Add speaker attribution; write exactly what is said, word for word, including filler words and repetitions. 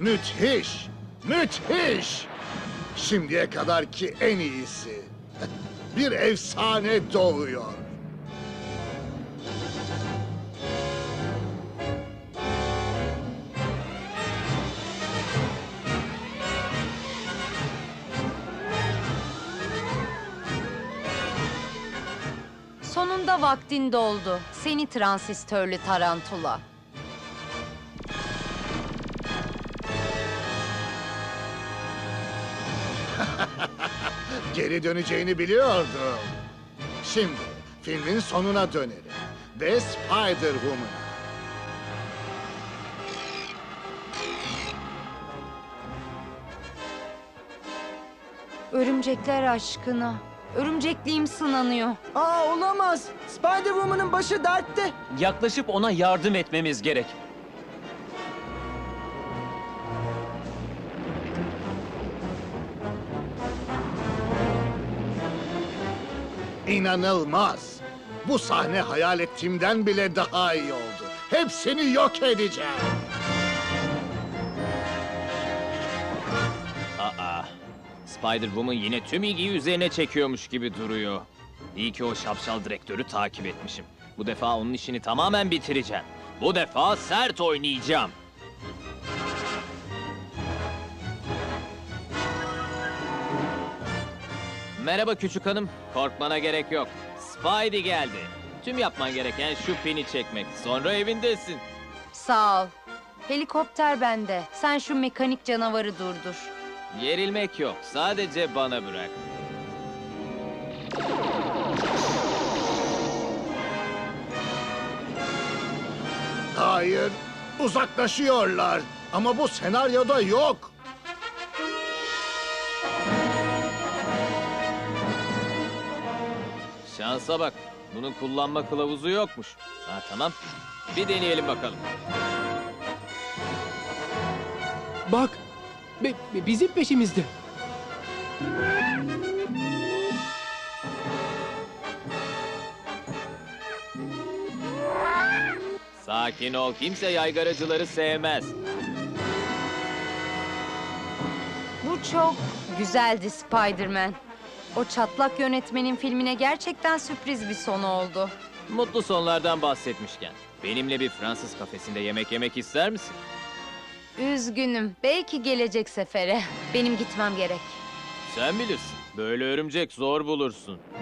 Speaker 1: Müthiş! Müthiş! Şimdiye kadarki en iyisi. Bir efsane doğuyor.
Speaker 2: Sonunda vaktin doldu. Seni transistörlü tarantula.
Speaker 1: Geri döneceğini biliyordum. Şimdi filmin sonuna dönelim. Ve Spider-Woman'a.
Speaker 2: Örümcekler aşkına. Örümcekliğim sınanıyor.
Speaker 3: Aa olamaz. Spider-Woman'ın başı dertte.
Speaker 4: Yaklaşıp ona yardım etmemiz gerek.
Speaker 1: İnanılmaz. Bu sahne hayal ettiğimden bile daha iyi oldu. Hepsini yok edeceğim.
Speaker 4: Aa, Spider-Woman yine tüm ilgiyi üzerine çekiyormuş gibi duruyor. İyi ki o şapşal direktörü takip etmişim. Bu defa onun işini tamamen bitireceğim. Bu defa sert oynayacağım. Merhaba küçük hanım. Korkmana gerek yok. Spidey geldi. Tüm yapman gereken şu pini çekmek. Sonra evindesin.
Speaker 2: Sağ ol. Helikopter bende. Sen şu mekanik canavarı durdur.
Speaker 4: Gerilmek yok. Sadece bana bırak.
Speaker 1: Hayır, uzaklaşıyorlar. Ama bu senaryoda yok.
Speaker 4: Şansa bak. Bunun kullanma kılavuzu yokmuş. Ha tamam. Bir deneyelim bakalım.
Speaker 5: Bak, be- be- bizim peşimizde.
Speaker 4: Sakin ol. Kimse yaygaracıları sevmez.
Speaker 2: Bu çok güzeldi Spider-Man. O çatlak yönetmenin filmine gerçekten sürpriz bir sonu oldu.
Speaker 4: Mutlu sonlardan bahsetmişken. Benimle bir Fransız kafesinde yemek yemek ister misin?
Speaker 2: Üzgünüm. Belki gelecek sefere. Benim gitmem gerek.
Speaker 4: Sen bilirsin. Böyle örümcek zor bulursun.